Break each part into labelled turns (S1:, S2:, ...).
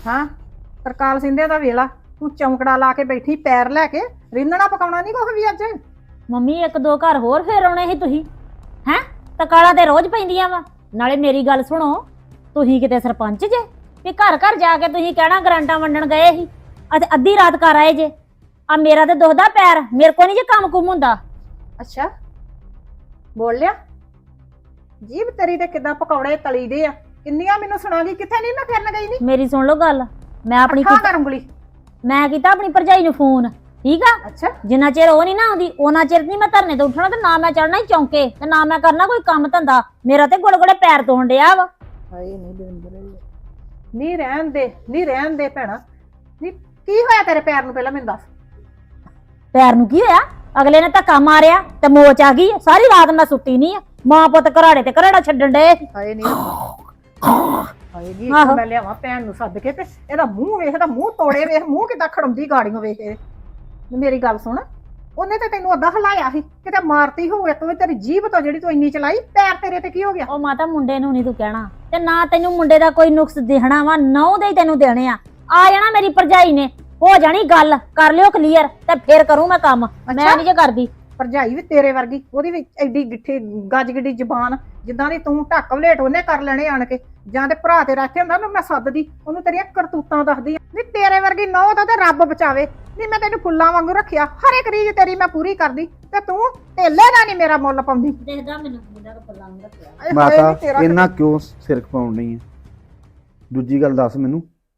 S1: ਹਾਂ ਤਰਕਾਲ ਸਿੰਧੇ ਦਾ ਵੇਲਾ ਤੂੰ ਚੌਂਕੜਾ ਲਾ ਕੇ ਬੈਠੀ ਪੈਰ ਲੈ ਕੇ ਰਿੰਨਣਾ ਪਕਾਉਣਾ ਨਹੀਂ ਕੁਛ ਵੀ ਅੱਜ।
S2: ਮੰਮੀ ਇੱਕ ਦੋ ਘਰ ਹੋਰ ਫੇਰ ਆਉਣੇ ਸੀ ਤੁਸੀਂ ਹੈ ਤਕਾਲਾਂ ਤੇ ਰੋਜ਼ ਪੈਂਦੀਆਂ ਵਾ। ਨਾਲੇ ਮੇਰੀ ਗੱਲ ਸੁਣੋ, ਤੁਸੀਂ ਕਿਤੇ ਸਰਪੰਚ ਜੇ ਵੀ ਘਰ ਘਰ ਜਾ ਕੇ ਤੁਸੀਂ ਕਹਿਣਾ ਗਰਾਂਟਾਂ ਵੰਡਣ ਗਏ ਸੀ ਅਤੇ ਅੱਧੀ ਰਾਤ ਘਰ ਆਏ ਜੇ। ਆ ਮੇਰਾ ਤੇ ਦੁਖਦਾ ਪੈਰ, ਮੇਰੇ ਕੋ ਨਹੀਂ ਜੇ ਕੰਮ ਕੁਮ ਹੁੰਦਾ।
S1: ਅੱਛਾ ਬੋਲ ਲਿਆ, ਜੀਭ ਤੇਰੀ ਤੇ ਕਿਦਾਂ ਪਕੌੜੇ ਤਲੀ ਦੇ ਆ। ਕਿੰਨੀਆਂ ਮੈਨੂੰ ਸੁਣਾ ਗਈ, ਕਿੱਥੇ ਨਹੀਂ ਮੈਂ ਫਿਰਨ ਗਈ ਨਹੀਂ।
S2: ਮੇਰੀ ਸੁਣ ਲਓ ਗੱਲ, ਮੈਂ ਆਪਣੀ
S1: ਕਰ ਉਂਗਲੀ।
S2: ਮੈਂ ਕੀਤਾ ਆਪਣੀ ਭਰਜਾਈ ਨੂੰ ਫੋਨ, ਠੀਕ ਆ।
S1: ਅੱਛਾ
S2: ਜਿੰਨਾ ਚਿਰ ਉਹ ਨਹੀਂ ਨਾ ਆਉਂਦੀ ਉਹਨਾਂ ਚਿਰ ਨਹੀਂ ਮੈਂ ਧਰਨੇ ਤੋਂ ਉੱਠਣਾ, ਤੇ ਨਾ ਮੈਂ ਚੜਨਾ ਹੀ ਚੌਂਕੇ, ਤੇ ਨਾ ਮੈਂ ਕਰਨਾ ਕੋਈ ਕੰਮ ਧੰਦਾ। ਮੇਰਾ ਤੇ ਗੋੜੇ ਗੋੜੇ ਪੈਰ ਤੋਣ ਡਿਆ ਵਾ।
S1: ਹਾਏ ਨਹੀਂ ਦਵਿੰਦਰ, ਨਹੀਂ ਰਹਿਣ ਦੇ, ਨਹੀਂ ਰਹਿਣ ਦੇ ਭੈਣਾ। ਨਹੀਂ ਕੀ ਹੋਇਆ ਤੇਰੇ ਪੈਰ ਨੂੰ, ਪਹਿਲਾਂ ਮੈਨੂੰ ਦੱਸ।
S2: ਪੈਰ ਨੂੰ ਕੀ ਹੋਇਆ? ਅਗਲੇ ਨੇ ਧੱਕਾ ਮਾਰਿਆ ਤੇ ਮੋਚ ਆ ਗਈ। ਸਾਰੀ ਰਾਤ ਮੈਂ ਸੁੱਤੀ ਨਹੀਂ ਆ, ਮਾਂ ਪੁੱਤ ਘਰਾੜੇ ਤੇ ਘਰਾੜਾ ਛੱਡਣ ਡਏ।
S1: ਹਾਏ ਨਹੀਂ ਹਾਏ ਨਹੀਂ, ਮੈਂ ਲਿਆਵਾਂ ਭੈਣ ਨੂੰ ਸੱਦ ਕੇ ਤੇ ਇਹਦਾ ਮੂੰਹ ਵੇਖ, ਇਹਦਾ ਮੂੰਹ ਤੋੜੇ ਵੇਖ, ਮੂੰਹ ਕਿੱਦਾਂ ਖੜਮਦੀ ਗਾੜੀਆਂ ਵੇਖ ਇਹ। ਮੇਰੀ ਗੱਲ ਸੁਣ, ਉਹਨੇ ਤੇ ਤੈਨੂੰ ਅੱਧਾ ਹਲਾਇਆ ਸੀ, ਕਿਤੇ ਮਾਰਤੀ ਹੋਊ ਇੱਕ ਵੀ ਤੇਰੀ ਜੀਭ ਤੋਂ ਜਿਹੜੀ ਤੂੰ ਇੰਨੀ ਚਲਾਈ। ਪੈਰ ਤੇਰੇ ਤੇ ਕੀ ਹੋ ਗਿਆ?
S2: ਉਹ ਮਾਤਾ ਮੁੰਡੇ ਨੂੰ ਨਹੀਂ ਤੂੰ ਕਹਿਣਾ, ਤੇ ਨਾ ਤੈਨੂੰ ਮੁੰਡੇ ਦਾ ਕੋਈ ਨੁਕਸ ਦਿਖਣਾ ਵਾ, ਨਹੁੰ ਦੇ ਹੀ ਤੈਨੂੰ ਦੇਣੇ ਆ ਜਾਣਾ ਮੇਰੀ ਭਰਜਾਈ ਨੇ, ਹੋ ਜਾਣੀ ਗੱਲ, ਕਰ ਲਿਓ ਕਲੀਅਰ ਤੇ ਫੇਰ ਕਰੂੰ ਮੈਂ ਕੰਮ। ਮੈਂ ਨਹੀਂ ਜੇ ਕਰਦੀ।
S1: ਭਰਜਾਈ ਵੀ ਤੇਰੇ ਵਰਗੀ, ਉਹਦੀ ਵੀ ਐਡੀ ਗਿੱਠੀ ਗੱਜ ਗਿੱਡੀ ਜ਼ਬਾਨ, ਜਿੱਦਾਂ ਦੀ ਤੂੰ ਢੱਕ ਵਲੇਟ ਉਹਨੇ ਕਰ ਲੈਣੇ ਆਣ ਕੇ। ਜਾਂ ਤੇ ਭਰਾ ਤੇ ਰੱਖੇ ਹੁੰਦਾ ਉਹਨੂੰ ਮੈਂ ਸੱਦਦੀ, ਉਹਨੂੰ ਤੇਰੀਆਂ ਕਰਤੂਤਾਂ ਦੱਸਦੀ। ਨਹੀਂ ਤੇਰੇ ਵਰਗੀ ਨਹੁੰ ਦਾ ਤੇ ਰੱਬ ਬਚਾਵੇ। ਨਹੀਂ ਮੈਂ ਤੈਨੂੰ ਫੁੱਲਾਂ ਵਾਂਗੂ ਰੱਖਿਆ, ਹਰ ਇੱਕ ਰੀਝ ਤੇਰੀ ਮੈਂ ਪੂਰੀ ਕਰਦੀ, ਤੇ ਤੂੰ ਢੇਲੇ ਦਾ ਨਹੀਂ ਮੇਰਾ ਮੁੱਲ ਪਾਉਂਦੀ।
S2: ਦੇਖਦਾ ਮੈਨੂੰ ਮੁੰਡਾ ਫੁੱਲਾਂ ਨੂੰ ਰੱਖਿਆ।
S3: ਮਾਤਾ ਇਹਨਾਂ ਕਿਉਂ ਸਿਰ ਖਪਾਉਣ ਨਹੀਂ ਹੈ? ਦੂਜੀ ਗੱਲ ਦੱਸ ਮੈਨੂੰ,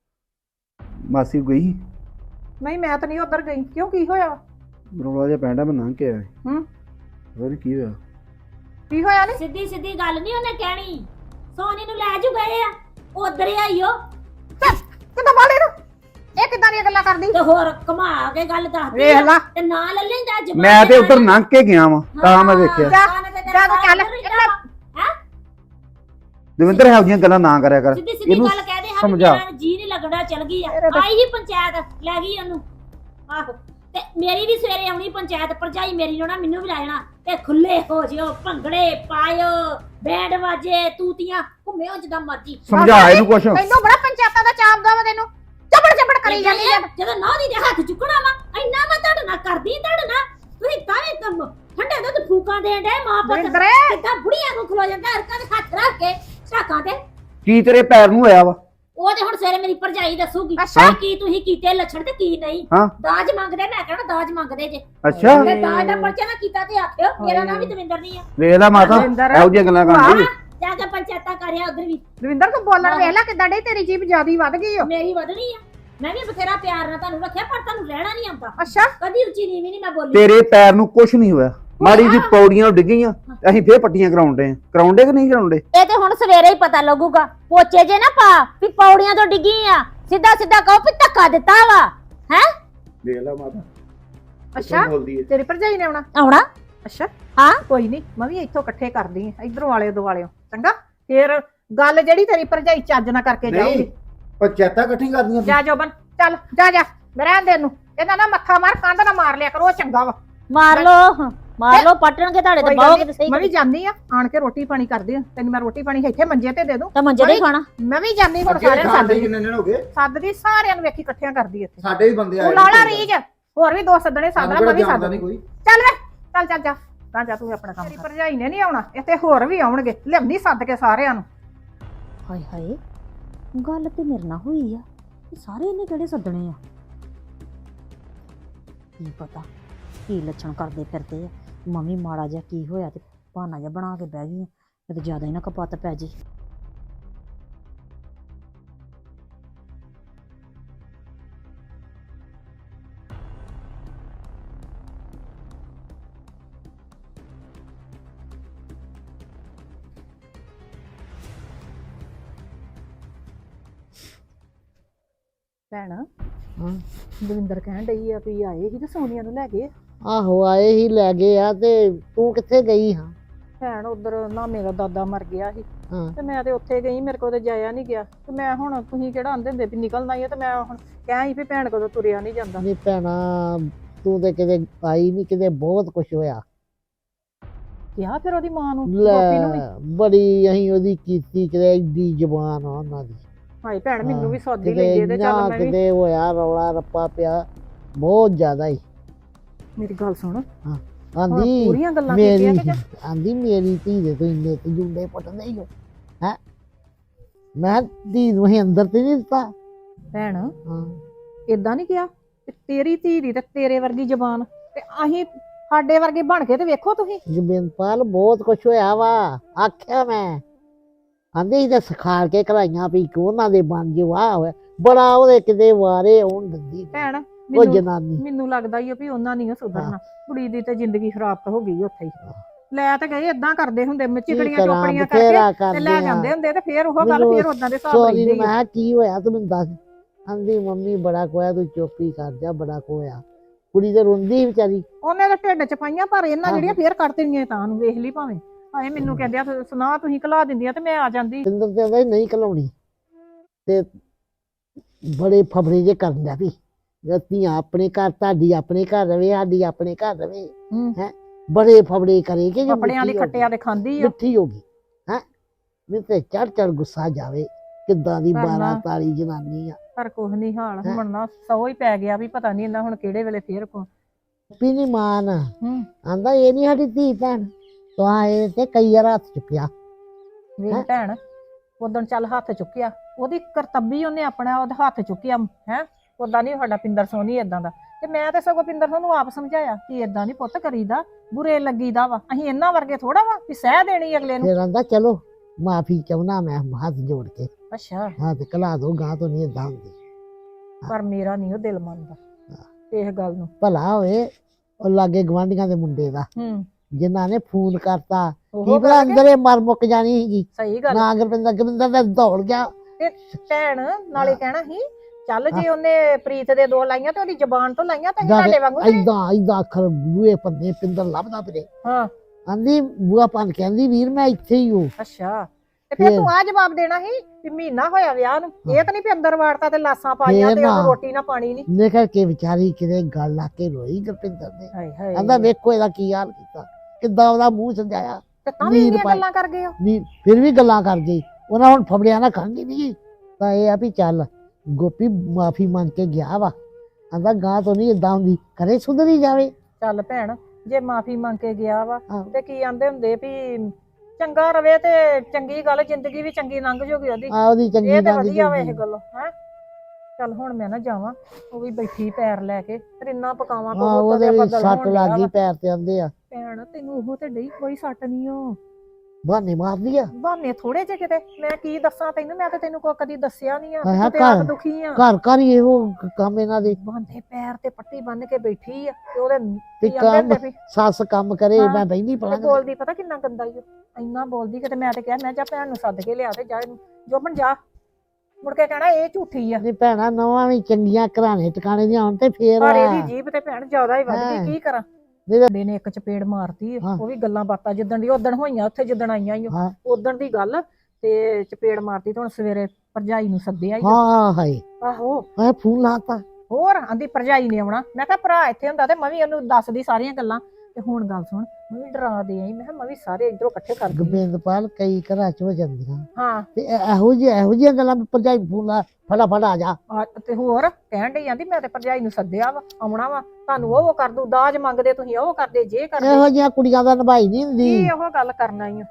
S3: ਮਾਸੀ ਗਈ?
S1: ਨਹੀਂ ਮੈਂ ਤਾਂ ਨਹੀਂ ਉਧਰ ਗਈ। ਕਿਉਂ, ਕੀ ਹੋਇਆ?
S3: ਰੌਲਾ ਜਿਹਾ ਪੈਂਦਾ, ਮੈਂ ਲੰਘ ਕੇ ਆਇਆ।
S1: ਹੂੰ
S3: ਕੀ ਹੋਇਆ?
S1: ਕੀ ਹੋਇਆ? ਨਹੀਂ
S2: ਸਿੱਧੀ ਸਿੱਧੀ ਗੱਲ ਨਹੀਂ ਉਹਨੇ ਕਹਿਣੀ। ਸੋਨੀ ਨੂੰ ਲੈ ਜੂ ਗਏ ਆ, ਉਧਰ ਆਈਓ
S1: ਕਿਦਾਂ ਬਾਲੇ ਨੂੰ ਇਹ ਕਿਦਾਂ ਦੀਆਂ ਗੱਲਾਂ ਕਰਦੀ?
S2: ਤੇ ਹੋਰ ਘੁਮਾ ਕੇ ਗੱਲ ਦੱਸਦੀ
S1: ਵੇਖ ਲਾ,
S2: ਤੇ ਨਾ ਲੈ ਲੈਂਦਾ ਜ਼ਬਾਨ।
S3: ਮੈਂ ਤੇ ਉਧਰ ਲੰਘ ਕੇ ਗਿਆ ਵਾਂ, ਤਾਂ ਮੈਂ ਦੇਖਿਆ।
S1: ਜਾ ਚੱਲ
S3: ਦਵਿੰਦਰ ਇਹੋ ਜਿਹੀਆਂ ਗੱਲਾਂ ਨਾ ਕਰਿਆ ਕਰ।
S2: ਸਿੱਧੀ ਸਿੱਧੀ ਗੱਲ ਕਹਦੇ ਹਾਂ,
S3: ਸਮਝਾ।
S2: ਮੇਰਾ ਜੀ ਨਹੀਂ ਲੱਗਣਾ, ਚਲ ਗਈ ਆ। ਆਈ ਹੀ ਪੰਚਾਇਤ ਲੈ ਗਈ ਉਹਨੂੰ। ਆਹੋ ਤੇ ਮੇਰੀ ਵੀ ਸਵੇਰੇ ਆਉਣੀ ਪੰਚਾਇਤ। ਭਰਜਾਈ ਮੇਰੀ ਨੂੰ ਨਾ ਮੈਨੂੰ ਵੀ ਲੈ ਜਾਣਾ, ਤੇ ਖੁੱਲੇ ਹੋ ਜਿਓ, ਭੰਗੜੇ ਪਾਇਓ, ਬੈਂਡ ਵਾਜੇ, ਤੂਤੀਆਂ, ਘੁੰਮਿਓ ਜਿੱਦਾਂ ਮਰਜੀ।
S3: ਸਮਝਾ ਇਹਨੂੰ ਕੁਛ।
S1: ਤੈਨੂੰ ਬੜਾ ਪੰਚਾਇਤਾਂ ਦਾ ਚਾਪ ਦਾ ਵਾ, ਤੈਨੂੰ ਚੱਪੜ ਚੱਪੜ ਕਰੀ ਜਾਂਦੀ ਆ।
S2: ਜਦੋਂ ਨਾ ਦੀ ਦੇ ਹੱਥ ਚੁੱਕਣਾ ਵਾ, ਇੰਨਾ ਮੈਂ ਤੁਹਾਡੇ ਨਾਲ ਕਰਦੀ, ਤੁਹਾਡੇ ਨਾਲ ਤੁਸੀਂ ਤਾਂ ਵੀ ਕੰਮ ਠੰਡੇ ਦੁੱਧ ਫੂਕਾਂ ਦੇਣ ਡੇ। ਮਾਂ ਪੁੱਤ ਕਿੱਦਾਂ ਬੁੜੀਆਂ ਨੂੰ ਖਲੋ ਜਾਂਦਾ ਹਰਕਾਂ ਦੇ ਹੱਥ ਰੱਖ ਕੇ ਝਾਕਾਂ ਤੇ।
S3: ਕੀ ਤੇਰੇ ਪੈਰ ਨੂੰ ਹੋਇਆ ਵਾ?
S2: ਉਹ ਤੇ ਹੁਣ ਸਵੇਰੇ ਮੇਰੀ ਭਰਜਾਈ ਦੱਸੂਗੀ
S1: ਅੱਛਾ।
S2: ਕੀ ਤੁਸੀਂ ਕੀਤੇ ਲੱਛਣ ਤੇ ਕੀ ਨਹੀਂ।
S3: ਹਾਂ
S2: ਦਾਜ ਮੰਗਦੇ, ਮੈਂ ਕਹਿਣਾ ਦਾਜ ਮੰਗਦੇ ਜੇ।
S3: ਅੱਛਾ
S2: ਤੇ ਦਾਜ ਦਾ ਪਰਚਾ ਨਾ ਕੀਤਾ ਤੇ ਆਖਿਓ ਮੇਰਾ ਨਾਮ ਵੀ ਦਵਿੰਦਰ ਨਹੀਂ ਆ।
S3: ਵੇਖ ਲੈ ਮਾਤਾ, ਇਹੋ ਜਿਹੀਆਂ ਗੱਲਾਂ ਕਰਦੀ।
S2: ਜਾ ਕੇ ਪੰਚਾਇਤਾਂ ਕਰਿਆ ਉਧਰ ਵੀ।
S1: ਦਵਿੰਦਰ ਤੂੰ ਬੋਲਣ ਵੇਖ ਲੈ ਕਿਦਾਂ ਡੇ, ਤੇਰੀ ਜੀਭ ਜਿਆਦੀ ਵੱਧ ਗਈ ਓ।
S2: ਮੇਰੀ ਵਧਣੀ ਆ, ਮੈਂ ਵੀ ਬਥੇਰਾ ਪਿਆਰ ਨਾਲ ਤੁਹਾਨੂੰ ਰੱਖਿਆ, ਪਰ ਤੁਹਾਨੂੰ ਰਹਿਣਾ ਨਹੀਂ ਆਉਂਦਾ।
S1: ਅੱਛਾ
S2: ਕਦੀ ਉੱਚੀ ਨੀਵੀਂ ਨਹੀਂ ਮੈਂ ਬੋਲੀ।
S3: ਤੇਰੇ ਪੈਰ ਨੂੰ ਕੁਛ ਨਹੀਂ ਹੋਇਆ, ਮਾੜੀ ਜੀ ਪੌੜੀਆਂ ਡਿੱਗੀਆਂ, ਅਸੀਂ ਫੇਰ ਪੱਟੀਆਂ ਕਰਾਉਂਦੇ ਕਿ ਨਹੀਂ ਕਰਾਉਂਦੇ?
S2: ਇਹ ਤੇ ਹੁਣ ਸਵੇਰੇ ਹੀ ਪਤਾ ਲੱਗੂਗਾ। ਪੋਚੇ ਜੇ ਨਾ ਪਾ ਵੀ ਪੌੜੀਆਂ ਤੋਂ ਡਿੱਗੀ ਆ, ਸਿੱਧਾ ਸਿੱਧਾ ਕਹੋ ਵੀ ਧੱਕਾ ਦਿੱਤਾ ਵਾ। ਹੈ
S3: ਦੇਖ ਲੈ ਮਾਤਾ।
S1: ਅੱਛਾ ਤੇਰੀ ਭਰਜਾਈ ਨੇ
S2: ਆਉਣਾ।
S1: ਅੱਛਾ
S2: ਹਾਂ
S1: ਕੋਈ ਨਹੀਂ, ਮੈਂ ਵੀ ਇੱਥੋਂ ਇਕੱਠੇ ਕਰਦੀ ਆ, ਇਧਰੋਂ ਵਾਲੇ ਦੁਆਲਿਓ। ਚੰਗਾ ਫੇਰ ਗੱਲ ਜਿਹੜੀ ਤੇਰੀ ਭਰਜਾਈ ਚੱਜ ਨਾ ਕਰਕੇ ਜਾਊਗੀ।
S3: ਪੰਚਾਇਤਾਂ ਇਕੱਠੀ ਕਰਦੀਆਂ
S1: ਜਾ ਜੋਬਨ, ਚੱਲ ਜਾ ਜਾ, ਮੈਂ ਰਹਿਣ ਦੇ ਇਹਨੂੰ। ਇਹਨਾਂ ਨਾ ਮੱਥਾ ਮਾਰ, ਕੰਧ ਨਾ ਮਾਰ ਲਿਆ ਕਰੋ, ਚੰਗਾ ਵਾ।
S2: ਮਾਰ ਲੋ ਪਟਣਗੇ ਤੁਹਾਡੇ ਤੇ ਬਹੁਤ ਸਹੀ।
S1: ਮੈਂ ਵੀ ਜਾਂਦੀ ਆ, ਆਣ ਕੇ ਰੋਟੀ ਪਾਣੀ ਕਰਦੀ ਆ। ਤੈਨੂੰ ਮੈਂ ਰੋਟੀ ਪਾਣੀ ਇੱਥੇ ਮੰਜੇ ਤੇ ਦੇ ਦੂੰ,
S2: ਤਾਂ ਮੰਜੇ ਦੇ ਖਾਣਾ।
S1: ਮੈਂ ਵੀ ਜਾਂਦੀ ਹੁਣ। ਸਾਰਿਆਂ ਨੂੰ ਸੱਦਦੀ,
S3: ਕਿੰਨੇ ਦਿਨ ਹੋ ਗਏ?
S1: ਸੱਦਦੀ ਸਾਰਿਆਂ ਨੂੰ, ਵੇਖੀ ਇਕੱਠਿਆਂ ਕਰਦੀ ਇੱਥੇ।
S3: ਸਾਡੇ ਵੀ ਬੰਦੇ ਆਏ।
S1: ਤੂੰ ਲਾਲਾ ਰੀਜ, ਹੋਰ ਵੀ ਦੋ ਸੱਦਣੇ ਸੱਦਣਾ, ਮੈਂ ਵੀ ਸੱਦਣੀ
S3: ਕੋਈ।
S1: ਚੱਲ ਵੇ, ਚੱਲ ਚੱਲ ਜਾ, ਤਾਂ ਜਾ ਤੂੰ ਆਪਣਾ ਕੰਮ ਕਰ। ਭਰਜਾਈ ਨੇ ਨਹੀਂ ਆਉਣਾ, ਇੱਥੇ ਹੋਰ ਵੀ ਆਉਣਗੇ, ਲਿਆਉਂਦੀ ਸੱਦ ਕੇ ਸਾਰਿਆਂ ਨੂੰ।
S2: ਹਾਏ ਹਾਏ, ਗੱਲ ਤੇ ਮੇਰੇ ਨਾਲ ਹੋਈ ਆ, ਸਾਰੇ ਇਹਨੇ ਕਿਹੜੇ ਸੱਦਣੇ ਆ? ਕੀ ਪਤਾ ਕੀ ਲੱਛਣ ਕਰਦੇ ਫਿਰਦੇ ਆ। ਮੰਮੀ ਮਾੜਾ ਜਿਹਾ ਕੀ ਹੋਇਆ ਤੇ ਬਹਾਨਾ ਜਿਹਾ ਬਣਾ ਕੇ ਬਹਿ ਗਈ, ਤੇ ਜ਼ਿਆਦਾ ਹੀ ਨਾ ਕਪੱਤ ਪੈ ਜੇ।
S1: ਭੈਣ ਦਵਿੰਦਰ ਕਹਿਣ ਡਈ ਆ ਵੀ ਆਏ ਸੀ ਤੇ ਸੋਨੀਆ ਨੂੰ ਲੈ ਗਏ।
S4: ਆਹੋ ਆਏ ਹੀ ਲੈ ਗਏ ਆ। ਤੇ ਤੂੰ ਕਿੱਥੇ ਗਈ ਹਾਂ?
S1: ਭੈਣ ਉਧਰ ਨਾ ਮੇਰਾ ਦਾਦਾ ਮਰ ਗਿਆ ਸੀ,
S4: ਹਾਂ
S1: ਤੇ ਮੈਂ ਤੇ ਉੱਥੇ ਗਈ, ਮੇਰੇ ਕੋਲ ਤੇ ਜਾਇਆ ਨਹੀਂ ਗਿਆ। ਤੇ ਮੈਂ ਹੁਣ, ਤੁਸੀਂ ਕਿਹੜਾ ਆਂਦੇ ਹੁੰਦੇ ਵੀ ਨਿਕਲਣਾ ਹੀ ਆ, ਤੇ ਮੈਂ ਹੁਣ ਕਹਿ ਵੀ ਭੈਣ ਕੋਲੋਂ ਤੁਰਿਆ ਨਹੀਂ ਜਾਂਦਾ।
S4: ਨਹੀਂ ਭੈਣਾ, ਤੂੰ ਤੇ ਕਿਤੇ ਆਈ ਨਹੀਂ, ਕਿਤੇ ਬਹੁਤ ਕੁਛ ਹੋਇਆ।
S1: ਕਿਹਾ ਫਿਰ ਉਹਦੀ ਮਾਂ ਨੂੰ, ਗੋਪੀ ਨੂੰ ਵੀ।
S4: ਲੈ ਬੜੀ ਅਸੀਂ ਉਹਦੀ ਕੀਤੀ, ਕਿਤੇ ਏਡੀ ਜ਼ਬਾਨ ਆ ਉਹਨਾਂ ਦੀ।
S1: ਹਾਏ ਭੈਣ ਮੈਨੂੰ ਵੀ ਸੌਦੀ
S4: ਕਿਤੇ
S1: ਲੈਂਦੇ ਤੇ ਚੱਲ
S4: ਇੰਨਾ
S1: ਮੈਂ ਵੀ
S4: ਕਿਤੇ ਹੋਇਆ ਰੌਲਾ ਰੱਪਾ ਪਿਆ ਬਹੁਤ ਜ਼ਿਆਦਾ ਹੀ
S1: ਮੇਰੀ ਗੱਲ ਸੁਣ
S4: ਆਂਦੀ
S1: ਪੂਰੀਆਂ ਗੱਲਾਂ
S4: ਮੇਰੀ
S1: ਕੀਤੀਆਂ ਕਿ
S4: ਆਂਦੀ ਮੇਰੀ ਧੀ ਦੇ ਤੋਂ ਇੰਨੇ ਤੇ ਜੁੰਡੇ ਪਟਦੇ ਹੀ ਹੋ ਹੈ ਮੈਂ ਧੀ ਨੂੰ ਹੀ ਅੰਦਰ ਤੇ ਨਹੀਂ ਦਿੱਤਾ
S1: ਭੈਣ
S4: ਹਾਂ
S1: ਇਦਾਂ ਨਹੀਂ ਕਿਹਾ ਤੇ ਤੇਰੀ ਧੀ ਦੀ ਤੇ ਤੇਰੇ ਵਰਗੀ ਜ਼ਬਾਨ ਤੇ ਅਸੀਂ ਸਾਡੇ ਵਰਗੇ ਬਣ ਕੇ ਤੇ ਵੇਖੋ ਤੁਸੀਂ
S4: ਜਮਿੰਦਰਪਾਲ ਬਹੁਤ ਕੁਛ ਹੋਇਆ ਵਾ ਆਖਿਆ ਮੈਂ ਆਂਦੇ ਹੀ ਤਾਂ ਸਿਖਾ ਕੇ ਕਰਾਈਆਂ ਵੀ ਕਿ ਉਹਨਾਂ ਦੇ ਬਣ ਜੇ ਵਾਹ ਹੋਇਆ ਬੜਾ ਉਹਦੇ ਕਿਤੇ ਵਾਰੇ ਆਉਣ ਦਿੰਦੀ
S1: ਭੈਣ
S4: ਉਹ ਜਨਾਨੀ
S1: ਮੈਨੂੰ ਲੱਗਦਾ ਹੀ ਆ ਵੀ ਉਹਨਾਂ ਨਹੀਂ ਸੁਧਰਨਾ ਕੁੜੀ ਦੀ ਤੇ ਜ਼ਿੰਦਗੀ ਖਰਾਬ ਤਾਂ ਹੋ ਗਈ ਉੱਥੇ ਹੀ ਲੈ ਤੇ ਗਏ ਏਦਾਂ ਕਰਦੇ ਹੁੰਦੇ ਚਿਕੜੀਆਂ ਚੋਪੜੀਆਂ ਕਰਕੇ ਤੇ ਲੈ ਜਾਂਦੇ ਹੁੰਦੇ ਤੇ ਫੇਰ ਉਹ ਗੱਲ ਫੇਰ ਉਦਾਂ ਦੇ ਹਿਸਾਬ
S4: ਸੋਰੀ
S1: ਰਹਿੰਦੇ
S4: ਮੈਂ ਕਿਹਾ ਕੀ ਹੋਇਆ ਤੂੰ ਮੈਨੂੰ ਦੱਸ ਆਂਦੀ ਮੰਮੀ ਬੜਾ ਕੋਇਆ ਤੂੰ ਚੁੱਪੀ ਕਰ ਜਾ ਬੜਾ ਕੋਇਆ ਕੁੜੀ ਤੇ ਰੋਂਦੀ ਵਿਚਾਰੀ
S1: ਉਹਨੇ ਤਾਂ ਢਿੱਡ ਚ ਪਾਈਆਂ ਪਰ ਇਹਨਾਂ
S4: ਆਹੋ।
S1: ਜਿਹੜੀਆਂ ਫੇਰ ਕੱਢ ਦੇਣੀਆਂ ਤਾਂ ਨੂੰ ਵੇਖ ਲਈ ਭਾਵੇਂ ਹਾਏ ਮੈਨੂੰ ਕਹਿੰਦੇ ਆ ਸੁਣਾ ਤੁਸੀਂ ਘਲਾ ਦਿੰਦੀਆਂ ਤੇ ਮੈਂ ਆ ਜਾਂਦੀ
S4: ਸਿੰਦਰ ਤੇ ਆਂਦਾ ਨਹੀਂ ਘਲਾਉਣੀ ਤੇ ਬੜੇ ਫਬਰੇ ਜੇ ਕਰਨ ਦਾ ਵੀ ਧੀਆਂ ਆਪਣੇ ਘਰ ਤੁਹਾਡੀ ਆਪਣੇ ਘਰ ਰਵੇ ਸਾਡੀ ਆਪਣੇ ਘਰ ਰਵੇ ਹੈ ਬੜੇ ਫਬੜੇ ਕਰੇ ਕਿ
S1: ਕੱਪੜਿਆਂ ਦੇ ਖੱਟਿਆਂ ਦੇ ਖਾਂਦੀ ਆ
S4: ਮਿੱਠੀ ਹੋ ਗਈ ਹੈ ਮੈਨੂੰ ਤੇ ਚੜ ਗੁੱਸਾ ਜਾਵੇ ਕਿੱਦਾਂ ਦੀ
S1: ਕਰਨਾ।
S4: 12 ਤਾਲੀ ਜਨਾਨੀ ਆ
S1: ਪਰ ਕੁਛ ਨਹੀਂ ਹਾਲ ਹੁਣ ਨਾ ਸੌ ਹੀ ਪੈ ਗਿਆ ਵੀ ਪਤਾ ਨਹੀਂ ਇਹਨਾਂ ਹੁਣ ਕਿਹੜੇ ਵੇਲੇ ਫੇਰ
S4: ਵੀ ਨੀ ਮਾਨ
S1: ਹੂੰ
S4: ਆਂਦਾ ਇਹ ਨਹੀਂ ਸਾਡੀ ਧੀ ਭੈਣ ਤਾਂ ਇਹ ਤੇ ਕਈ ਵਾਰ ਹੱਥ ਚੁੱਕਿਆ
S1: ਵੇਖ ਭੈਣ ਉਦੋਂ ਚੱਲ ਹੱਥ ਚੁੱਕਿਆ ਉਹਦੀ ਕਰਤੱਬੀ ਉਹਨੇ ਆਪਣਾ ਉਹਦਾ ਹੱਥ ਚੁੱਕਿਆ ਹੈ ਉਦਾਂ ਨਹੀਂ ਸਾਡਾ ਪਿੰਦਰ ਸੋਨੀ ਏਦਾਂ ਦਾ ਤੇ ਮੈਂ ਤੇ ਸਗੋਂ ਪਿੰਦਰ ਸੋਨੂੰ ਆਪ ਸਮਝਾਇਆ ਕਿ ਏਦਾਂ ਨਹੀਂ ਪੁੱਤ ਕਰੀਦਾ ਬੁਰੇ ਲੱਗੀਦਾ ਵਾ ਅਸੀਂ ਇਹਨਾਂ ਵਰਗੇ ਥੋੜਾ ਵਾ ਵੀ ਸਹਿ ਦੇਣੀ ਅਗਲੇ ਨੂੰ
S4: ਫਿਰ ਆਂਦਾ ਚਲੋ ਮਾਫੀ ਚਾਹੁੰਦਾ ਮੈਂ ਹੱਥ ਜੋੜ ਕੇ
S1: ਅੱਛਾ
S4: ਹਾਂ ਤੇ ਕਲਾ ਦੋ ਗਾਂ ਤੋਂ ਨਹੀਂ ਏਦਾਂ ਹੁੰਦੀ
S1: ਪਰ ਮੇਰਾ ਨਹੀਂ ਉਹ ਦਿਲ ਮੰਨਦਾ ਇਸ ਗੱਲ ਨੂੰ
S4: ਭਲਾ ਹੋਏ ਉਹ ਲਾਗੇ ਗਵਾਂਢੀਆਂ ਦੇ ਮੁੰਡੇ ਦਾ ਜਿਨ੍ਹਾਂ ਨੇ ਫੋਨ ਕਰਤਾ ਕੀ ਪਤਾ ਅੰਦਰ ਇਹ ਮਰ ਮੁੱਕ ਜਾਣੀ ਸੀਗੀ
S1: ਸਹੀ ਗੱਲ
S4: ਨਾ ਗੁਰਪਿੰਦਰ ਦਾ ਦੌੜ ਗਿਆ
S1: ਤੇ ਭੈਣ ਨਾਲੇ ਕਹਿਣਾ ਸੀ ਚੱਲ ਜੇ ਉਹਨੇ ਪ੍ਰੀਤ ਦੇ ਦੋ ਲਾਈਆਂ ਤੇ ਉਹਦੀ ਜ਼ਬਾਨ ਤੋਂ ਲਾਈਆਂ ਤਾਂ ਸਾਡੇ ਵਾਂਗੂ
S4: ਏਦਾਂ ਅੱਖਰ ਬੂਏ ਪੰਨੇ ਪਿੰਦਰ ਲੱਭਦਾ ਫਿਰੇ
S1: ਹਾਂ
S4: ਆਂਦੀ ਬੂਆ ਪੰਨ ਕਹਿੰਦੀ ਵੀਰ ਮੈਂ ਇੱਥੇ ਹੀ ਹੂੰ
S1: ਅੱਛਾ ਤੇ ਫਿਰ ਤੂੰ ਆ ਜਵਾਬ ਦੇਣਾ ਸੀ ਵੀ ਮਹੀਨਾ ਹੋਇਆ ਵਿਆਹ ਨੂੰ ਇਹ ਤਾਂ ਨਹੀਂ ਵੀ ਅੰਦਰ ਵਾੜਤਾ ਤੇ ਲਾਸਾਂ ਪਾਈਆਂ ਤੇ ਉਹਨੂੰ ਰੋਟੀ ਨਾ ਪਾਣੀ ਨਹੀਂ
S4: ਨਿਕਲ ਕੇ ਵਿਚਾਰੀ ਕਿਤੇ ਗੱਲ ਲਾ ਕੇ ਰੋਈ ਗੁਰਪਿੰਦਰ ਨੇ
S1: ਹਾਏ ਹਾਏ
S4: ਕਹਿੰਦਾ ਵੇਖੋ ਇਹਦਾ ਕੀ ਹਾਲ ਕੀਤਾ ਕਿੱਦਾਂ ਉਹਦਾ ਮੂੰਹ ਸਜਾਇਆ
S1: ਤੇ ਤਾਂ ਵੀ ਇੰਨੀਆਂ ਗੱਲਾਂ ਕਰ ਗਏ ਹੋ
S4: ਨਹੀਂ ਫਿਰ ਵੀ ਗੱਲਾਂ ਕਰ ਗਈ ਉਹਨਾਂ ਹੁਣ ਫਬੜਿਆ ਨਾ ਖਾਂਦੀ ਨਹੀਂ ਤਾਂ ਇਹ ਆ ਵੀ ਚੱਲ ਗੋਪੀ ਮਾਫੀ ਮੰਗ ਕੇ ਗਿਆ ਵਾ ਆਂਦਾ ਗਾਂ ਤੋਂ ਨਹੀਂ ਏਦਾਂ ਹੁੰਦੀ ਕਰੇ ਸੁਧਰੀ ਜਾਵੇ
S1: ਚੱਲ ਭੈਣ ਜੇ ਮਾਫੀ ਮੰਗ ਕੇ ਗਿਆ ਵਾ
S4: ਆਹੋ।
S1: ਤੇ ਕੀ ਆਂਦੇ ਹੁੰਦੇ ਵੀ ਚੰਗਾ ਰਵੇ ਤੇ ਚੰਗੀ ਗੱਲ ਜ਼ਿੰਦਗੀ ਵੀ ਚੰਗੀ ਲੰਘ ਜੂਗੀ ਉਹਦੀ
S4: ਆ ਉਹਦੀ ਚੰਗੀ
S1: ਇਹ ਤੇ
S4: ਗੱਲ
S1: ਵਧੀਆ ਵਾ ਇਹ ਗੱਲ ਹੈ ਚੱਲ ਹੁਣ ਮੈਂ ਨਾ ਜਾਵਾਂ ਉਹ ਵੀ ਬੈਠੀ ਪੈਰ ਲੈ ਕੇ ਫਿਰ ਇੰਨਾ ਪਕਾਵਾਂ
S4: ਹਾਂ ਉਹਦੇ ਵੀ ਸੱਟ ਲੱਗ ਗਈ ਪੈਰ ਤੇ ਆਂਦੇ ਆ
S1: ਭੈਣ ਤੈਨੂੰ ਉਹ ਤੇ ਡਈ ਕੋਈ ਸੱਟ ਨਹੀਂ ਓ
S4: ਬਹਾਨੇ ਮਾਰਦੀ ਆ
S1: ਬਹਾਨੇ ਥੋੜੇ ਜਿਹੇ ਕਿਤੇ ਮੈਂ ਕੀ ਦੱਸਾਂ ਤੈਨੂੰ ਮੈਂ ਤੇ ਤੈਨੂੰ ਕੋਈ ਕਦੀ ਦੱਸਿਆ ਨਹੀਂ ਆ
S4: ਹਾਂ,
S1: ਤੂੰ ਤੇ
S4: ਘਰ-
S1: ਆਪ ਦੁਖੀ ਆ
S4: ਘਰ ਘਰ ਹੀ ਇਹੋ ਕੰਮ ਇਹਨਾਂ ਦੇ
S1: ਬਾਂਦੇ ਪੈਰ ਤੇ ਪੱਟੀ ਬੰਨ ਕੇ ਬੈਠੀ ਆ ਤੇ ਉਹਦੇ
S4: ਤੇ
S1: ਕੀ ਆਂਦੇ
S4: ਕੰਮ
S1: ਹੁੰਦੇ ਵੀ
S4: ਸੱਸ ਕੰਮ ਕਰੇ
S1: ਹਾਂ,
S4: ਮੈਂ ਬੈਠੀ
S1: ਤੇ
S4: ਪੜਾਂਗਾ
S1: ਬੋਲਦੀ ਪਤਾ ਕਿੰਨਾ ਗੰਦਾ ਈ ਓ ਇੰਨਾ ਬੋਲਦੀ ਕਿਤੇ ਮੈਂ ਤੇ ਕਿਹਾ ਮੈਂ ਜਾ ਭੈਣ ਨੂੰ ਸੱਦ ਕੇ ਲਿਆ ਤੇ ਜਾ ਇਹਨੂੰ ਜੋਬਨ ਜਾ ਮੁੜ ਕੇ ਕਹਿਣਾ ਇਹ ਝੂਠੀ ਆ
S4: ਨਹੀਂ ਭੈਣਾ ਨਵਾਂ ਵੀ ਚੰਗੀਆਂ ਘਰਾਣੇ ਟਿਕਾਣੇ ਦੀਆਂ ਹੁਣ ਤੇ ਫੇਰ
S1: ਪਰ
S4: ਆ।
S1: ਇਹਦੀ ਜੀਭ ਤੇ ਭੈਣ ਜ਼ਿਆਦਾ ਹੀ ਵੱਧ
S4: ਹਾਂ।
S1: ਗਈ ਕੀ ਕਰਾਂ
S4: ਨਹੀਂ ਤਾਂ-
S1: ਮੁੰਡੇ ਨੇ ਇੱਕ ਚਪੇੜ ਮਾਰਤੀ
S4: ਹਾਂ।
S1: ਉਹ ਵੀ ਗੱਲਾਂ ਬਾਤਾਂ ਜਿੱਦਣ ਦੀ ਉਦਣ ਹੋਈਆਂ ਉੱਥੇ ਜਿੱਦਣ ਆਈਆਂ ਈ
S4: ਹਾਂ
S1: ਉਦਣ ਦੀ ਗੱਲ ਤੇ ਚਪੇੜ ਮਾਰਤੀ ਤੇ ਹੁਣ ਸਵੇਰੇ ਭਰਜਾਈ ਨੂੰ ਸੱਦਿਆ ਈ ਓ।
S4: ਹਾਂ ਹਾਏ
S1: ਆਹੋ
S4: ਮੈਂ ਫੋਨ ਲਾਤਾ
S1: ਹੋਰ ਆਂਦੀ ਭਰਜਾਈ ਨੇ ਆਉਣਾ ਮੈਂ ਕਿਹਾ ਭਰਾ ਇੱਥੇ ਹੁੰਦਾ ਤੇ ਮੈਂ ਵੀ ਉਹਨੂੰ ਦੱਸਦੀ ਸਾਰੀਆਂ ਗੱਲਾਂ ਤੇ ਹੁਣ ਗੱਲ ਸੁਣ ਮੈਂ ਵੀ ਡਰਾ ਦੇ ਆਈ ਮੈਂ ਕਿਹਾ ਮੈਂ ਵੀ ਸਾਰੇ ਇਧਰੋਂ ਇਕੱਠੇ ਕਰ ਦੂੰ
S4: ਗੋਬਿੰਦਪਾਲ ਕਈ ਘਰਾਂ ਚ ਹੋ ਜਾਂਦੀਆਂ
S1: ਹਾਂ
S4: ਤੇ ਇਹੋ ਜਿਹੀਆਂ ਗੱਲਾਂ ਭਰਜਾਈ ਫੋਨ ਲਾ ਫਟਾਫਟ ਆ ਜਾ
S1: ਤੇ ਹੋਰ ਕਹਿਣ ਡਈ ਆਂਦੀ ਮੈਂ ਤੇ ਭਰਜਾਈ ਨੂੰ ਸੱਦਿਆ ਵਾ ਆਉਣਾ ਵਾ ਤੁਹਾਨੂੰ ਉਹ ਕਰ ਦੂ ਦਾਜ ਮੰਗਦੇ ਤੁਸੀਂ ਉਹ ਕਰਦੇ ਜੇ ਕਰਦੇ
S4: ਇਹੋ ਜਿਹੀਆਂ ਕੁੜੀਆਂ ਦਾ ਨਿਭਾਈ ਨਹੀਂ ਹੁੰਦੀ
S1: ਕੀ ਉਹ ਗੱਲ ਕਰਨਾ ਹੀ ਆ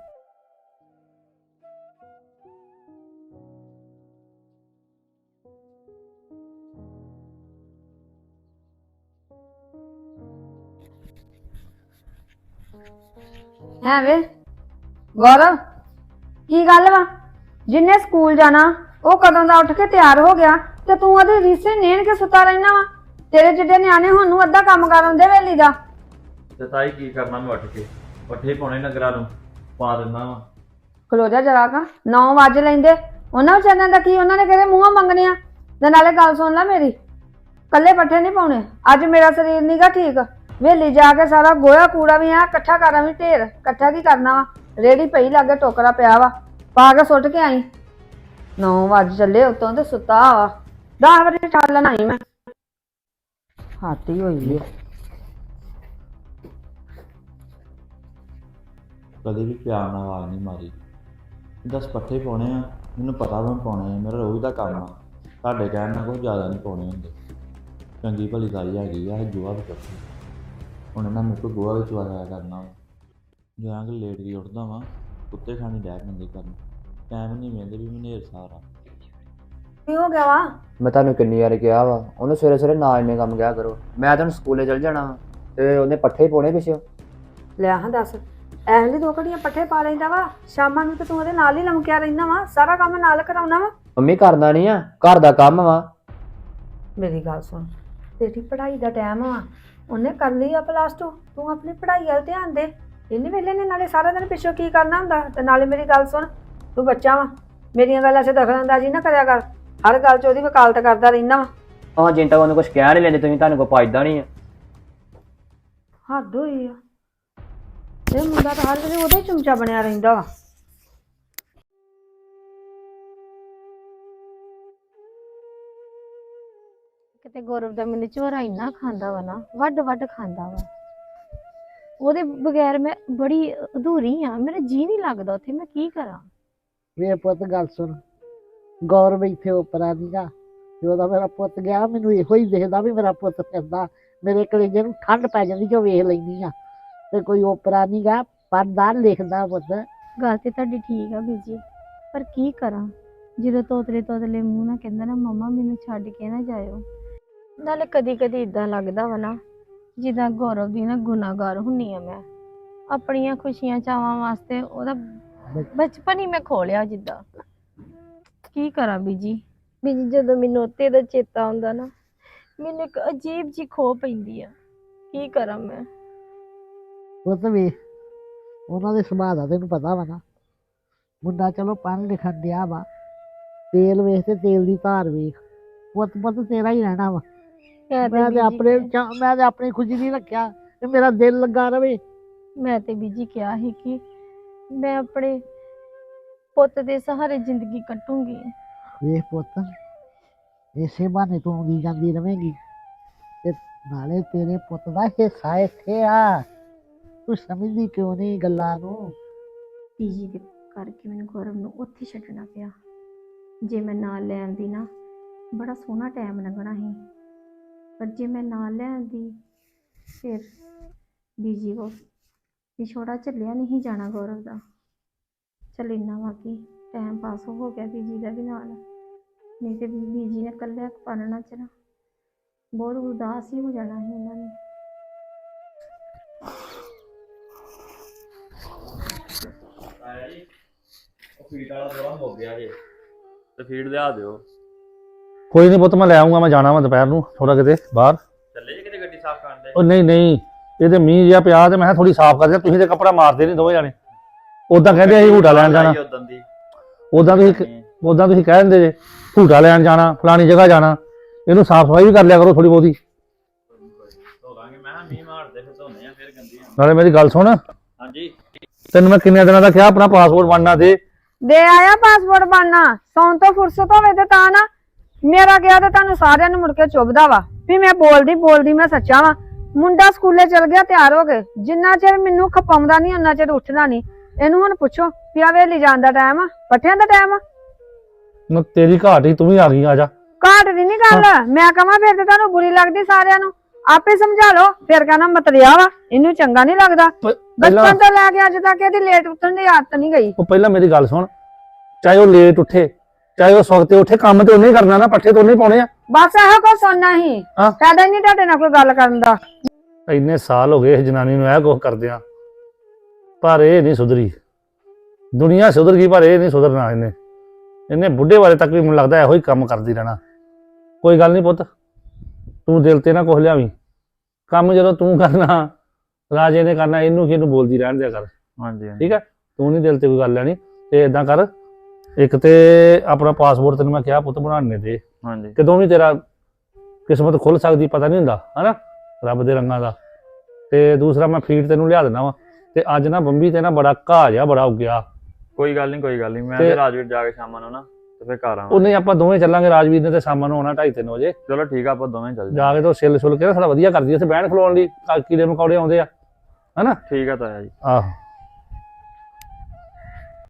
S5: ਹੈ ਵੇ ਗੌਰਵ ਕੀ ਗੱਲ ਵਾ ਜਿੰਨੇ ਸਕੂਲ ਜਾਣਾ ਉਹ ਕਦੋਂ ਦਾ ਉੱਠ ਕੇ ਤਿਆਰ ਹੋ ਗਿਆ ਤੇ ਤੂੰ ਉਹਦੇ ਰੀਸੇ ਨੇਣ ਕੇ ਸੁੱਤਾ ਰਹਿਣਾ ਵਾ ਤੇਰੇ ਜਿੱਡੇ ਨਿਆਣੇ ਹੁਣ ਨੂੰ ਅੱਧਾ ਕੰਮ ਕਰਨ ਦੇ ਵੇਲੀ ਦਾ
S6: ਤੇ ਤਾਈ ਕੀ ਕਰਨਾ ਮੈਂ ਉੱਠ ਕੇ ਪੱਠੇ ਪਾਉਣੇ ਨਗਰਾਂ ਨੂੰ ਪਾ ਦਿੰਦਾ ਵਾ
S5: ਖਲੋ ਜਾ ਜਰਾ ਕਾ 9 ਵਜੇ ਲੈਂਦੇ ਉਹਨਾਂ ਵਿਚਾਰਿਆਂ ਦਾ ਕੀ ਉਹਨਾਂ ਨੇ ਕਿਹੜੇ ਮੂੰਹੋਂ ਮੰਗਣੇ ਆ ਤੇ ਨਾਲੇ ਗੱਲ ਸੁਣ ਲੈ ਮੇਰੀ ਕੱਲੇ ਪੱਠੇ ਨਹੀਂ ਪਾਉਣੇ ਅੱਜ ਮੇਰਾ ਸਰੀਰ ਨੀਗਾ ਠੀਕ ਵੇਲੀ ਜਾ ਕੇ ਸਾਰਾ ਗੋਇਆ ਕੂੜਾ ਵੀ ਆ ਇਕੱਠਾ ਕਰਾਂ ਵੀ ਢੇਰ ਇਕੱਠਾ ਕੀ ਕਰਨਾ ਵਾ ਰੇੜੀ ਪਈ ਲਾਗੇ ਟੋਕਰਾ ਪਿਆ ਵਾ ਪਾ ਕੇ ਸੁੱਟ ਕੇ ਆਈ 9 ਵਜੇ ਚੱਲੇ ਉਤੋਂ ਤੇ ਸੁੱਤਾ ਵਾ 10 ਵਜੇ ਠਾਲਣ ਆਈ ਮੈਂ ਹਾਤੀ ਹੋਈ ਹੈ
S6: ਕਦੇ ਵੀ ਪਿਆਰ ਨਾਲ ਆਵਾਜ਼ ਨਹੀਂ ਮਾਰੀ 10 ਪੱਠੇ ਪਾਉਣੇ ਆ ਮੈਨੂੰ ਪਤਾ ਮੈਂ ਪਾਉਣੇ ਆ, ਮੇਰਾ ਰੋਜ਼ ਦਾ ਕੰਮ ਆ। ਤੁਹਾਡੇ ਕਹਿਣ ਨਾਲ ਕੋਈ ਜ਼ਿਆਦਾ ਨਹੀਂ ਪਾਉਣੇ ਹੁੰਦੇ। ਚੰਗੀ ਭਲੀ ਤਾਈ ਹੈਗੀ ਆ, ਇਹ ਜੂਆ ਵੀ ਕਰਦੀ। ਹੁਣ ਇਹਨਾਂ ਮੇਰੇ ਕੋਲ ਗੋਹਾ ਵੀ ਚੁਆਇਆ ਕਰਨਾ ਵਾ। ਜਾਂ ਕਿ ਲੇਟ ਹੀ ਉੱਠਦਾ ਵਾਂ, ਕੁੱਤੇ ਖਾਣੀ ਡੈ ਪੈਂਦੇ ਕਰਨ। ਟਾਈਮ ਨਹੀਂ ਮਿਲਦੇ ਵੀ ਮੈਨੂੰ ਸਾਰਾ।
S5: ਕੀ ਹੋ ਗਿਆ ਵਾ?
S7: ਮੈਂ ਤੁਹਾਨੂੰ ਕਿੰਨੀ ਵਾਰ ਕਿਹਾ ਵਾ ਉਹਨੂੰ ਸਵੇਰੇ ਸਵੇਰੇ ਨਾ ਇੰਨੇ ਕੰਮ ਕਿਹਾ ਕਰੋ। ਮੈਂ ਤੁਹਾਨੂੰ ਸਕੂਲੇ ਚਲ ਜਾਣਾ ਵਾ ਤੇ ਉਹਨੇ ਪੱਠੇ ਪਾਉਣੇ ਪਿੱਛੇ।
S5: ਲੈ ਹਾਂ ਦੱਸ, ਐਵੇਂ ਲਈ 2 ਘੜੀਆਂ ਪੱਠੇ ਪਾ ਲੈਂਦਾ ਵਾ, ਸ਼ਾਮਾਂ ਨੂੰ ਤੇ ਤੂੰ ਉਹਦੇ ਨਾਲ ਹੀ ਲਮਕਿਆ ਰਹਿੰਦਾ ਵਾ, ਸਾਰਾ ਕੰਮ ਨਾਲ ਕਰਾਉਣਾ ਵਾ।
S7: ਮੰਮੀ ਕਰਦਾ ਨਹੀਂ ਆ, ਘਰ ਦਾ ਕੰਮ ਵਾ।
S5: ਮੇਰੀ ਗੱਲ ਸੁਣ, ਤੇਰੀ ਪੜ੍ਹਾਈ ਦਾ ਟਾਈਮ ਵਾ, ਉਹਨੇ ਕਰ ਲਈ ਆ +2, ਤੂੰ ਆਪਣੀ ਪੜ੍ਹਾਈ ਵੱਲ ਧਿਆਨ ਦੇ। ਇੰਨੇ ਵੇਲੇ ਨੇ ਨਾਲੇ ਸਾਰਾ ਦਿਨ ਪਿੱਛੋਂ ਕੀ ਕਰਨਾ ਹੁੰਦਾ। ਤੇ ਨਾਲੇ ਮੇਰੀ ਗੱਲ ਸੁਣ, ਤੂੰ ਬੱਚਾ ਵਾ, ਮੇਰੀਆਂ ਗੱਲਾਂ 'ਚ ਦਖਲਅੰਦਾਜ਼ੀ ਨਾ ਕਰਿਆ ਕਰ। ਹਰ ਗੱਲ 'ਚ ਉਹਦੀ ਵਕਾਲਤ ਕਰਦਾ ਰਹਿੰਦਾ ਵਾ।
S7: ਹਾਂ ਜਿੰਨ ਤੱਕ ਉਹਨੂੰ ਕੁਝ ਕਹਿ ਨਹੀਂ ਲੈਂਦੇ ਤੁਸੀਂ, ਤੁਹਾਨੂੰ ਕੋਈ ਪਾਇਦਾ ਨਹੀਂ ਆ।
S5: ਹੱਦ ਹੋਈ ਆ, ਇਹ ਮੁੰਡਾ ਤਾਂ ਹਰ ਵੇਲੇ ਉਹਦਾ ਹੀ ਚਮਚਾ ਬਣਿਆ ਰਹਿੰਦਾ ਵਾ।
S8: ਕਿਤੇ ਗੌਰਵ ਦਾ ਮੈਨੂੰ ਝੋਰਾ ਇੰਨਾ ਖਾਂਦਾ ਵਾ ਨਾ, ਵੱਡ ਵੱਡ ਖਾਂਦਾ ਵਾ। ਉਹਦੇ ਬਗੈਰ ਮੈਂ ਬੜੀ ਅਧੂਰੀ ਆ, ਮੇਰਾ ਜੀ ਨਹੀਂ ਲੱਗਦਾ ਉੱਥੇ। ਮੈਂ ਕੀ ਕਰਾਂ?
S4: ਵੇ ਪੁੱਤ ਗੱਲ ਸੁਣ, ਗੌਰਵ ਇੱਥੇ ਉਪਰਾ ਨੀਗਾ ਤੇ ਉਹਦਾ ਮੇਰਾ ਪੁੱਤ ਗਿਆ, ਮੈਨੂੰ ਇਹੋ ਹੀ ਦਿਖਦਾ ਵੀ ਮੇਰਾ ਪੁੱਤ ਫਿਰਦਾ। ਮੇਰੇ ਕਲੇਜੇ ਨੂੰ ਠੰਡ ਪੈ ਜਾਂਦੀ ਜੋ ਵੇਖ ਲੈਂਦੀ ਆ। ਤੇ ਕੋਈ ਉਪਰਾ ਨੀਗਾ, ਪੜ੍ਹਦਾ ਲਿਖਦਾ ਪੁੱਤ।
S8: ਗੱਲ ਤੇ ਤੁਹਾਡੀ ਠੀਕ ਆ ਬੀਜੀ, ਪਰ ਕੀ ਕਰਾਂ ਜਦੋਂ ਤੋਤਲੇ ਤੋਤਲੇ ਮੂੰਹ ਨਾਲ ਕਹਿੰਦਾ ਨਾ ਮੰਮਾ ਮੈਨੂੰ ਛੱਡ ਕੇ ਨਾ ਜਾਇਓ। ਨਾਲੇ ਕਦੀ ਕਦੀ ਇਦਾਂ ਲੱਗਦਾ ਵਾ ਨਾ ਜਿੱਦਾਂ ਗੌਰਵ ਦੀ ਨਾ ਗੁਨਾਹਗਾਰ ਹੁੰਨੀ ਆ ਮੈਂ। ਆਪਣੀਆਂ ਖੁਸ਼ੀਆਂ ਚਾਵਾਂ ਵਾਸਤੇ ਉਹਦਾ ਬਚਪਨ ਹੀ ਮੈਂ ਖੋਲਿਆ ਜਿੱਦਾਂ। ਕੀ ਕਰਾਂ ਬੀਜੀ ਜਦੋਂ ਮੈਨੂੰ ਉੱਤੇ ਦਾ ਚੇਤਾ ਆਉਂਦਾ ਨਾ, ਮੈਨੂੰ ਇੱਕ ਅਜੀਬ ਜੀ ਖੋ ਪੈਂਦੀ ਆ। ਕੀ ਕਰਾਂ ਮੈਂ?
S4: ਪੁੱਤ ਵੇ, ਉਹਨਾਂ ਦੇ ਸੁਭਾਅ ਦਾ ਤੈਨੂੰ ਪਤਾ ਵਾ ਨਾ। ਮੁੰਡਾ ਚਲੋ ਪੜ੍ਹਨ ਲਿਖਣ ਡਿਆ ਵਾ, ਤੇਲ ਵੇਖ ਤੇ ਤੇਲ ਦੀ ਧਾਰ ਵੇਖ। ਪੁੱਤ ਪੁੱਤ ਤੇਰਾ ਹੀ ਰਹਿਣਾ ਵਾ। ਮੈਂ ਤੇ ਆਪਣੀ ਖੁਸ਼ੀ ਨਹੀਂ ਰੱਖਿਆ ਤੇ ਮੇਰਾ ਦਿਲ ਲੱਗਾ ਰਵੇ।
S8: ਮੈਂ ਤੇ ਬੀਜੀ ਕਿਹਾ ਸੀ ਕਿ ਮੈਂ ਆਪਣੇ ਪੁੱਤ ਦੇ ਸਹਾਰੇ ਜ਼ਿੰਦਗੀ ਕੱਟੂੰਗੀ।
S4: ਵੇਖ ਪੁੱਤ, ਇਸੇ ਬਹਾਨੇ ਤੂੰ ਆਉਂਦੀ ਜਾਂਦੀ ਰਵੇਂਗੀ ਤੇ ਨਾਲੇ ਤੇਰੇ ਪੁੱਤ ਦਾ ਹਿੱਸਾ ਇੱਥੇ ਆ। ਤੂੰ ਸਮਝਦੀ ਕਿਉਂ ਨਹੀਂ ਗੱਲਾਂ ਨੂੰ?
S8: ਬੀਜੀ ਦੇ ਕਰਕੇ ਮੈਨੂੰ ਗੌਰਵ ਨੂੰ ਉੱਥੇ ਛੱਡਣਾ ਪਿਆ। ਜੇ ਮੈਂ ਨਾਲ ਲੈ ਆਉਂਦੀ ਨਾ, ਬੜਾ ਸੋਹਣਾ ਟਾਈਮ ਲੰਘਣਾ ਸੀ। ਪਰ ਜੇ ਮੈਂ ਨਾਲ ਲੈ ਆਉਂਦੀ ਫਿਰ ਬੀਜੀ ਕੋ ਵਿਛੋੜਾ ਝੱਲਿਆ ਨਹੀਂ ਜਾਣਾ ਗੌਰਵ ਦਾ। ਚੱਲ ਇੰਨਾ ਵਾ ਕਿ ਟਾਈਮ ਪਾਸ ਹੋ ਗਿਆ ਬੀਜੀ ਦਾ ਵੀ ਨਾਲ, ਨਹੀਂ ਤੇ ਬੀਜੀ ਨੇ ਇਕੱਲਿਆਂ ਪਾਲਣਾ ਚ ਨਾ ਬਹੁਤ ਉਦਾਸ ਹੀ ਹੋ ਜਾਣਾ ਸੀ ਉਹਨਾਂ ਨੇ।
S6: ਆਇਆ ਜੀ, ਉਹ ਫੀਡ ਵਾਲਾ ਥੋੜਾ ਹੋ ਗਿਆ ਜੇ, ਤੇ ਫੀਡ ਲਿਆ ਦਿਓ।
S9: ਕੋਈ ਨਹੀਂ ਪੁੱਤ, ਮੈਂ ਲੈ ਆਉਂਗਾ। ਮੈਂ ਜਾਣਾ ਵਾ ਦੁਪਹਿਰ ਨੂੰ ਥੋੜਾ ਕਿਤੇ ਬਾਹਰ।
S6: ਚੱਲੇ ਜੇ ਕਿਤੇ ਗੱਡੀ ਸਾਫ਼ ਕਰਨ ਦੇ?
S9: ਉਹ ਨਹੀਂ ਨਹੀਂ, ਇਹ ਤੇ ਮੀਂਹ ਜਿਹਾ ਪਿਆ ਤੇ ਮੈਂ ਥੋੜੀ ਸਾਫ਼ ਕਰ ਦਿਆਂ। ਤੁਸੀਂ ਤੇ ਕੱਪੜਾ ਮਾਰਦੇ ਨਹੀਂ ਦੋਵੇਂ ਜਾਣੇ। ਉਦਾਂ ਕਹਿੰਦੇ ਅਸੀਂ ਹੂਟਾ ਲੈਣ ਜਾਣਾ, ਉਦਾਂ ਤੁਸੀਂ ਕਹਿ ਦਿੰਦੇ ਜੇ ਹੂਟਾ ਲੈਣ ਜਾਣਾ, ਫਲਾਣੀ ਜਗ੍ਹਾ ਜਾਣਾ। ਇਹਨੂੰ ਸਾਫ਼ ਸਫਾਈ ਵੀ ਕਰ ਲਿਆ ਕਰੋ ਥੋੜੀ ਬਹੁਤੀ।
S6: ਧੋਵਾਂਗੇ, ਮੈਂ ਮੀਂਹ ਮਾਰਦੇ ਫਿਰ ਧੋਨੇ ਆ, ਫਿਰ ਗੰਦੀਆਂ।
S9: ਨਾਲੇ ਮੇਰੀ ਗੱਲ ਸੁਣ,
S6: ਹਾਂਜੀ
S9: ਤੈਨੂੰ ਮੈਂ ਕਿੰਨੇ ਦਿਨਾਂ ਦਾ ਕਿਹਾ ਆਪਣਾ ਪਾਸਪੋਰਟ ਬਣਨਾ ਦੇ
S5: ਆਇਆ ਪਾਸਪੋਰਟ ਬਣਨਾ। ਸੌਣ ਤੋਂ ਫੁਰਸਤ ਹੋਵੇ ਤੇ ਤਾਂ ਨਾ ਮੇਰਾ ਗਿਆ ਤੇ ਤੁਹਾਨੂੰ ਸਾਰਿਆਂ ਨੂੰ ਮੁੜ ਕੇ ਚੁੱਭਦਾ ਵਾ ਵੀ ਮੈਂ ਬੋਲਦੀ ਮੈਂ ਸੱਚਾ ਵਾ। ਮੁੰਡਾ ਸਕੂਲੇ ਚਲ ਗਿਆ, ਤਿਆਰ ਹੋ ਗਏ। ਜਿੰਨਾ ਚਿਰ ਮੈਨੂੰ ਖਪਾਉਂਦਾ ਨਹੀਂ ਉਹਨਾਂ ਚਿਰ ਉੱਠਦਾ ਨਹੀਂ। ਇਹਨੂੰ ਹੁਣ ਪੁੱਛੋ ਵੀ ਆ ਵੇਲੀ ਜਾਣ ਦਾ ਟਾਈਮ ਆ, ਪੱਠਿਆਂ ਦਾ ਟਾਈਮ ਆ।
S9: ਨਾ ਤੇਰੀ ਘਾਟ ਹੀ, ਤੂੰ ਵੀ ਆ ਗਈ। ਆ ਜਾ।
S5: ਘਾਟ ਦੀ ਨਹੀਂ ਗੱਲ, ਮੈਂ ਕਹਾਂ ਫਿਰ ਤੇ ਤੁਹਾਨੂੰ ਬੁਰੀ ਲੱਗਦੀ ਸਾਰਿਆਂ ਨੂੰ। ਆਪੇ ਸਮਝਾ ਲਓ। ਫਿਰ ਕਹਿੰਦਾ ਮਤਰਿਆ ਵਾ, ਇਹਨੂੰ ਚੰਗਾ ਨਹੀਂ ਲੱਗਦਾ। ਬਚਪਨ ਤੋਂ ਲੈ ਕੇ ਅੱਜ ਤੱਕ ਇਹਦੀ ਲੇਟ ਉੱਠਣ ਦੀ ਆਦਤ ਨਹੀਂ ਗਈ।
S9: ਉਹ ਪਹਿਲਾਂ ਮੇਰੀ ਗੱਲ ਸੁਣ, ਚਾਹੇ ਉਹ ਲੇਟ ਉੱਠੇ ਚਾਹੇ ਉਹ ਸਵਖਤੇ ਉੱਠੇ, ਕੰਮ ਤੇ ਉਹਨੇ ਹੀ ਕਰਨਾ ਨਾ, ਪੱਠੇ ਤੇ ਉਹਨੇ ਹੀ ਪਾਉਣੇ ਆ।
S5: ਬਸ ਇਹੋ ਕੁਝ ਸੁਣਨਾ ਹੀ,
S9: ਹਾਂ।
S5: ਫਾਇਦਾ ਹੀ ਨਹੀਂ ਤੁਹਾਡੇ ਨਾਲ ਕੋਈ ਗੱਲ ਕਰਨ ਦਾ।
S9: ਇੰਨੇ ਸਾਲ ਹੋ ਗਏ ਇਸ ਜਨਾਨੀ ਨੂੰ ਇਹ ਕੁਛ ਕਰਦਿਆਂ, ਪਰ ਇਹ ਨਹੀਂ ਸੁਧਰੀ। ਦੁਨੀਆ ਸੁਧਰ ਗਈ ਪਰ ਇਹ ਨਹੀਂ ਸੁਧਰਨਾ। ਇਹਨੇ ਬੁੱਢੇ ਵਾਲੇ ਤੱਕ ਵੀ ਮੈਨੂੰ ਲੱਗਦਾ ਇਹੋ ਹੀ ਕੰਮ ਕਰਦੀ ਰਹਿਣਾ। ਕੋਈ ਗੱਲ ਨਹੀਂ ਪੁੱਤ, ਤੂੰ ਦਿਲ ਤੇ ਨਾ ਕੁਛ ਲਿਆਵੀਂ। ਕੰਮ ਜਦੋਂ ਤੂੰ ਕਰਨਾ, ਰਾਜੇ ਨੇ ਕਰਨਾ, ਇਹਨੂੰ ਕਿਹਨੂੰ ਬੋਲਦੀ ਰਹਿਣ ਦਿਆ ਕਰ।
S6: ਹਾਂਜੀ
S9: ਠੀਕ ਹੈ, ਤੂੰ ਨਹੀਂ ਦਿਲ ਤੇ ਕੋਈ ਗੱਲ ਲੈਣੀ। ਤੇ ਇਦਾਂ ਕਰ, ਇੱਕ ਤੇ ਆਪਣਾ ਪਾਸਪੋਰਟ ਤੈਨੂੰ ਮੈਂ ਕਿਹਾ ਪੁੱਤ ਬਣਾਉਣੇ ਦੇ।
S6: ਹਾਂਜੀ,
S9: ਕਦੋਂ ਵੀ ਤੇਰਾ ਕਿਸਮਤ ਖੁੱਲ ਸਕਦੀ, ਪਤਾ ਨਹੀਂ ਹੁੰਦਾ ਹਨਾ, ਰੱਬ ਦੇ ਰੰਗਾਂ ਦਾ। ਤੇ ਦੂਸਰਾ ਮੈਂ ਫੀਡ ਤੈਨੂੰ ਲਿਆ ਦੇਣਾ ਵਾ। ਤੇ ਅੱਜ ਨਾ ਬੰਬੀ ਤੇ ਨਾ ਬੜਾ ਘਾਹ ਜਿਹਾ ਬੜਾ ਉੱਗਿਆ।
S6: ਕੋਈ ਗੱਲ ਨਹੀਂ ਮੈਂ ਤੇ ਰਾਜਵੀਰ ਜਾ ਕੇ ਸ਼ਾਮਾਂ ਨੂੰ ਨਾ ਤੇ ਫਿਰ ਘਰ ਆਵਾਂ।
S9: ਉਹਨੇ ਆਪਾਂ ਦੋਵੇਂ ਚੱਲਾਂਗੇ, ਰਾਜਵੀਰ ਨੇ ਤੇ ਸ਼ਾਮਾਂ ਨੂੰ ਆਉਣਾ 2:30-3 ਵਜੇ।
S6: ਚਲੋ ਠੀਕ ਆ, ਆਪਾਂ ਦੋਵੇਂ ਚੱਲ
S9: ਜਾ ਕੇ ਤੋਂ ਛਿੱਲ ਛੁੱਲ ਕੇ ਨਾ ਥੋੜਾ ਵਧੀਆ ਕਰਦੀ ਉੱਥੇ ਬਹਿਣ ਖਲੋਣ ਲਈ, ਕੀੜੇ ਮਕੌੜੇ ਆਉਂਦੇ ਆ ਹਨਾ।
S6: ਠੀਕ ਆ ਤਾਇਆ ਜੀ।
S9: ਆਹੋ